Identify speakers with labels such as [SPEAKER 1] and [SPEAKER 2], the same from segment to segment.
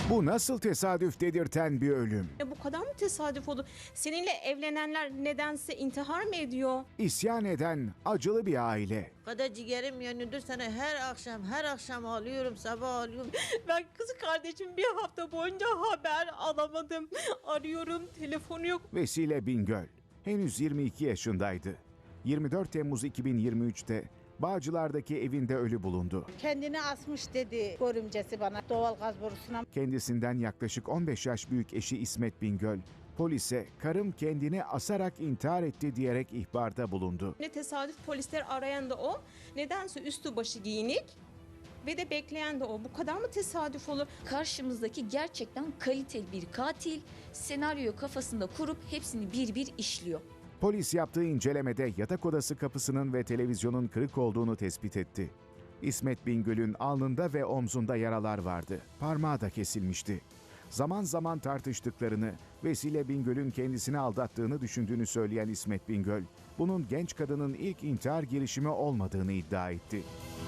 [SPEAKER 1] Bu nasıl tesadüf dedirten bir ölüm?
[SPEAKER 2] Bu kadar mı tesadüf oldu? Seninle evlenenler nedense intihar mı ediyor?
[SPEAKER 1] İsyan eden acılı bir aile.
[SPEAKER 3] Kadar ciğerim yanıyordur sana her akşam ağlıyorum, sabah ağlıyorum.
[SPEAKER 2] Ben kız kardeşim bir hafta boyunca haber alamadım. Arıyorum, telefonu yok.
[SPEAKER 1] Vesile Bingöl henüz 22 yaşındaydı. 24 Temmuz 2023'te Bağcılar'daki evinde ölü bulundu.
[SPEAKER 4] Kendini asmış dedi görümcesi bana doğal gaz borusuna.
[SPEAKER 1] Kendisinden yaklaşık 15 yaş büyük eşi İsmet Bingöl, polise karım kendini asarak intihar etti diyerek ihbarda bulundu.
[SPEAKER 2] Ne tesadüf, polisler arayan da o. Nedense üstü başı giyinik ve de bekleyen de o. Bu kadar mı tesadüf olur?
[SPEAKER 5] Karşımızdaki gerçekten kaliteli bir katil, senaryoyu kafasında kurup hepsini bir bir işliyor.
[SPEAKER 1] Polis yaptığı incelemede yatak odası kapısının ve televizyonun kırık olduğunu tespit etti. İsmet Bingöl'ün alnında ve omzunda yaralar vardı. Parmağı da kesilmişti. Zaman zaman tartıştıklarını, Vesile Bingöl'ün kendisini aldattığını düşündüğünü söyleyen İsmet Bingöl, bunun genç kadının ilk intihar girişimi olmadığını iddia etti.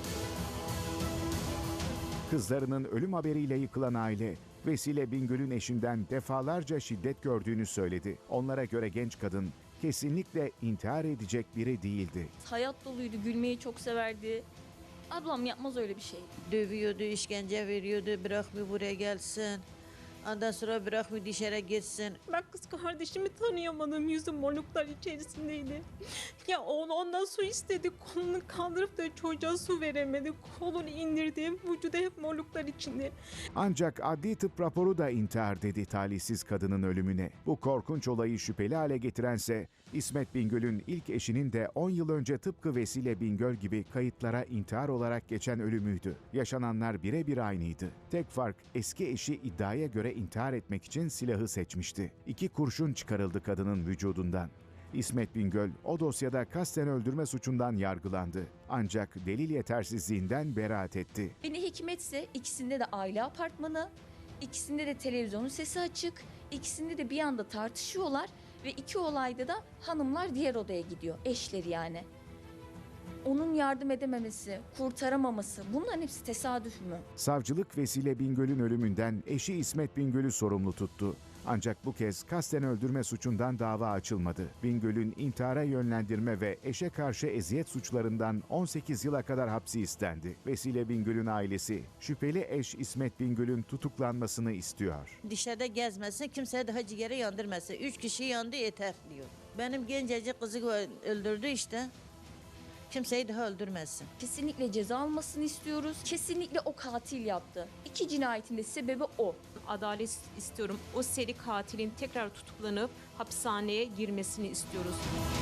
[SPEAKER 1] Kızlarının ölüm haberiyle yıkılan aile, Vesile Bingöl'ün eşinden defalarca şiddet gördüğünü söyledi. Onlara göre genç kadın kesinlikle intihar edecek biri değildi.
[SPEAKER 5] Hayat doluydu, gülmeyi çok severdi. Ablam yapmaz öyle bir şey.
[SPEAKER 3] Dövüyordu, işkence veriyordu, bırakmıyor buraya gelsin. Ondan sonra bırakmıyor dışarı gitsin.
[SPEAKER 2] Ben kız kardeşimi tanıyamadım. Yüzü morluklar içerisindeydi. Ya ondan su istedi. Kolunu kaldırıp da çocuğa su veremedi. Kolunu indirdi. Vücudu hep morluklar içinde.
[SPEAKER 1] Ancak adli tıp raporu da intihar dedi talihsiz kadının ölümüne. Bu korkunç olayı şüpheli hale getirense İsmet Bingöl'ün ilk eşinin de 10 yıl önce tıpkı Vesile Bingöl gibi kayıtlara intihar olarak geçen ölümüydü. Yaşananlar birebir aynıydı. Tek fark eski eşi iddiaya göre intihar etmek için silahı seçmişti. 2 kurşun çıkarıldı kadının vücudundan. İsmet Bingöl o dosyada kasten öldürme suçundan yargılandı. Ancak delil yetersizliğinden beraat etti.
[SPEAKER 5] Beni hikmetse ikisinde de aile apartmanı, ikisinde de televizyonun sesi açık, ikisinde de bir anda tartışıyorlar ve iki olayda da hanımlar diğer odaya gidiyor, eşleri yani. Onun yardım edememesi, kurtaramaması, bunların hepsi tesadüf mü?
[SPEAKER 1] Savcılık Vesile Bingöl'ün ölümünden eşi İsmet Bingöl'ü sorumlu tuttu. Ancak bu kez kasten öldürme suçundan dava açılmadı. Bingöl'ün intihara yönlendirme ve eşe karşı eziyet suçlarından 18 yıla kadar hapsi istendi. Vesile Bingöl'ün ailesi şüpheli eş İsmet Bingöl'ün tutuklanmasını istiyor.
[SPEAKER 3] Dışarıda gezmesin, kimseye daha ciğeri yandırmasın. 3 kişi yandı yeter diyor. Benim gencecik kızı öldürdü işte. Kimseyi daha öldürmesin.
[SPEAKER 5] Kesinlikle ceza almasını istiyoruz. Kesinlikle o katil yaptı. 2 cinayetin de sebebi o.
[SPEAKER 2] Adalet istiyorum. O seri katilin tekrar tutuklanıp hapishaneye girmesini istiyoruz.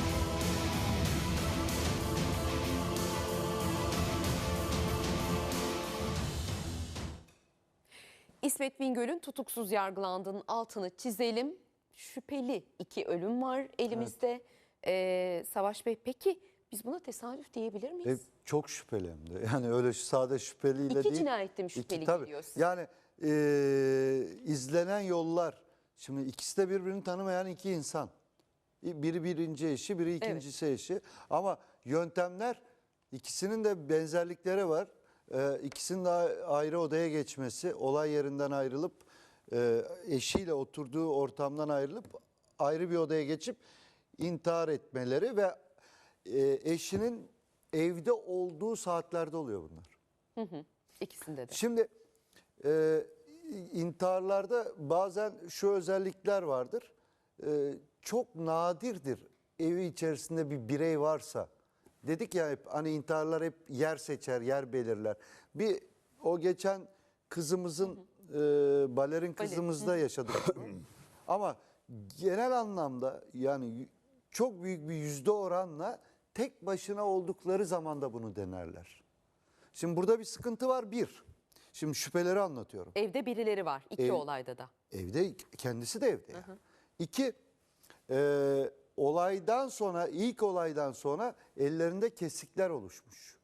[SPEAKER 6] İsmet Bingöl'ün tutuksuz yargılandığının altını çizelim. Şüpheli 2 ölüm var elimizde. Savaş Bey, peki biz buna tesadüf diyebilir miyiz?
[SPEAKER 7] Çok şüpheli hem de. Yani öyle sade şüpheliyle
[SPEAKER 6] İki
[SPEAKER 7] değil.
[SPEAKER 6] cinayette mi şüpheli
[SPEAKER 7] tabii.
[SPEAKER 6] geliyor size?
[SPEAKER 7] Yani izlenen yollar. Şimdi ikisi de birbirini tanımayan 2 insan. Biri birinci eşi, biri ikincisi eşi. Ama yöntemler, ikisinin de benzerlikleri var. İkisinin de ayrı odaya geçmesi, olay yerinden ayrılıp eşiyle oturduğu ortamdan ayrılıp ayrı bir odaya geçip intihar etmeleri ve eşinin evde olduğu saatlerde oluyor bunlar.
[SPEAKER 6] İkisinde de.
[SPEAKER 7] Şimdi intiharlarda bazen şu özellikler vardır. Çok nadirdir evi içerisinde bir birey varsa. Dedik ya hep hani intiharlar hep yer seçer, yer belirler. Bir o geçen kızımızın balerin kızımızda yaşadık bunu. Ama genel anlamda yani çok büyük bir yüzde oranla tek başına oldukları zaman da bunu denerler. Şimdi burada bir sıkıntı var bir. Şimdi şüpheleri anlatıyorum.
[SPEAKER 6] Evde birileri var 2 olayda da.
[SPEAKER 7] Evde kendisi de evde. Yani. 2 olaydan sonra ilk olaydan sonra ellerinde kesikler oluşmuş.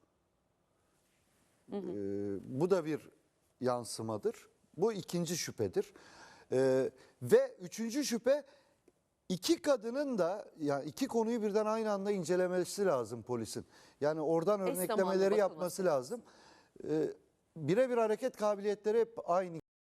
[SPEAKER 7] Bu da bir yansımadır. Bu ikinci şüphedir. Ve üçüncü şüphe 2 kadının da yani 2 konuyu birden aynı anda incelemesi lazım polisin. Yani oradan
[SPEAKER 6] Eş zamanlı
[SPEAKER 7] örneklemeleri
[SPEAKER 6] bakılması
[SPEAKER 7] yapması lazım. Birebir hareket kabiliyetleri hep aynı